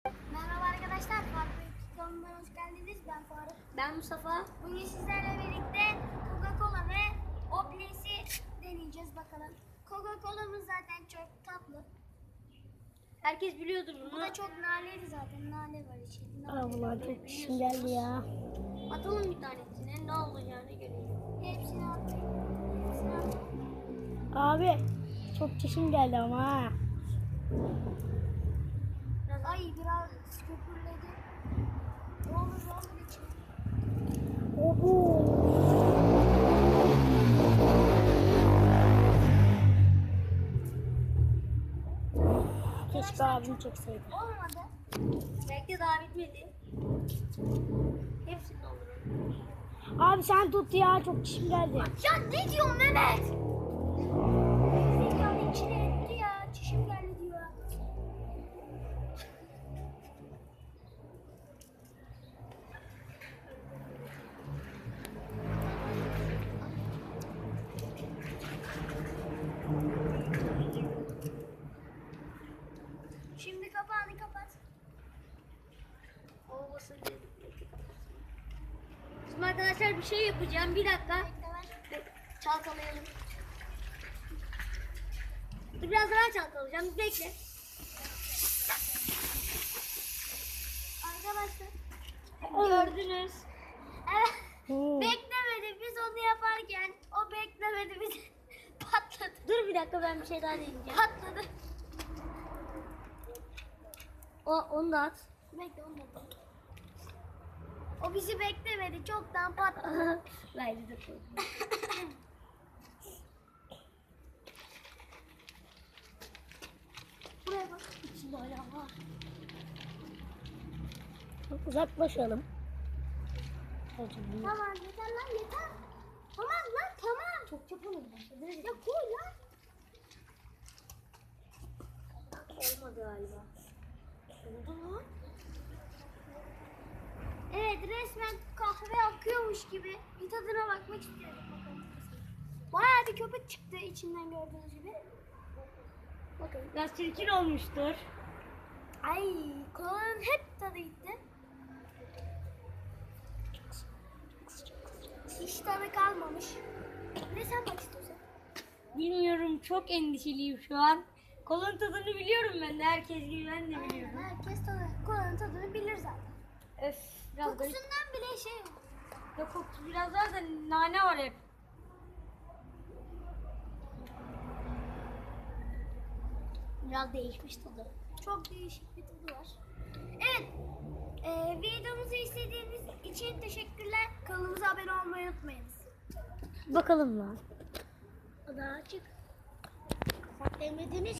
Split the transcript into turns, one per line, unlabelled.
Merhaba arkadaşlar, Farklı kanalına hoş geldiniz. Ben Faruk.
Ben Mustafa.
Bugün sizlerle birlikte Coca-Cola ve Obles'i deneyeceğiz bakalım. Coca-Cola'mız zaten çok tatlı.
Herkes biliyordur
Bu
bunu.
da çok naneli zaten. Nane var içinde.
Vallahi çok işim geldi ya.
Atalım bir tanesine, ne olacağını görelim.
Hepsini attık. Hepsini attık.
Abi çok çişim geldi ama ha.
Ay biraz köpürledi. Ne olur içine.
Oho. Keşke abim çekseydi.
Olmadı.
Belki daha bitmedi. Hepsini dolduralım.
Abi sen tut ya, çok çişim geldi.
Ya ne diyorsun Mehmet? Zekalı içine etti ya. Çişim geldi diyor. Şimdi kapağını kapat.
Olmasın dedim. Şimdi arkadaşlar bir şey yapacağım. Bir dakika. Çalkalayalım. Dur, biraz daha çalkalayacağım. Bekle.
Arkadaşlar.
Gördünüz.
Evet.
Hmm.
Beklemedi. Biz onu yaparken o beklemedi. Biz patladı.
Dur bir dakika, ben bir şey daha deneyeceğim.
Patladı.
Onu da at.
Bekle onu da. O bizi beklemedi. Çoktan patladı.
Bence de koy.
Buraya bak. İçinde hala var.
Uzaklaşalım.
Tamam yeter lan yeter. Tamam lan tamam. Çok yapalım. Ya koy lan.
Olmadı galiba.
Oldu lan. Evet resmen kahve akıyormuş gibi. Bir tadına bakmak istiyorum. Bakalım. Bayağı bir köpük çıktı içinden gördüğünüz gibi.
Bakın. Biraz çirkin olmuştur.
Ay kolanın hep tadı gitti. Hiç tadı kalmamış. Ne sen bak istiyorsan.
Bilmiyorum, çok endişeliyim şu an. Kolun tadını biliyorum ben de, herkes gibi ben de biliyorum.
Herkes kolanın tadını bilir zaten.
Öf, biraz garip.
Kokusundan bile şey yok.
Ya kokusu biraz daha da nane var hep.
Biraz değişmiş tadı. Çok değişik bir tadı var. Evet. Videomuzu izlediğiniz için teşekkürler. Kanalımıza abone olmayı unutmayınız.
Bakalım lan.
O da açık. Kapat demediniz.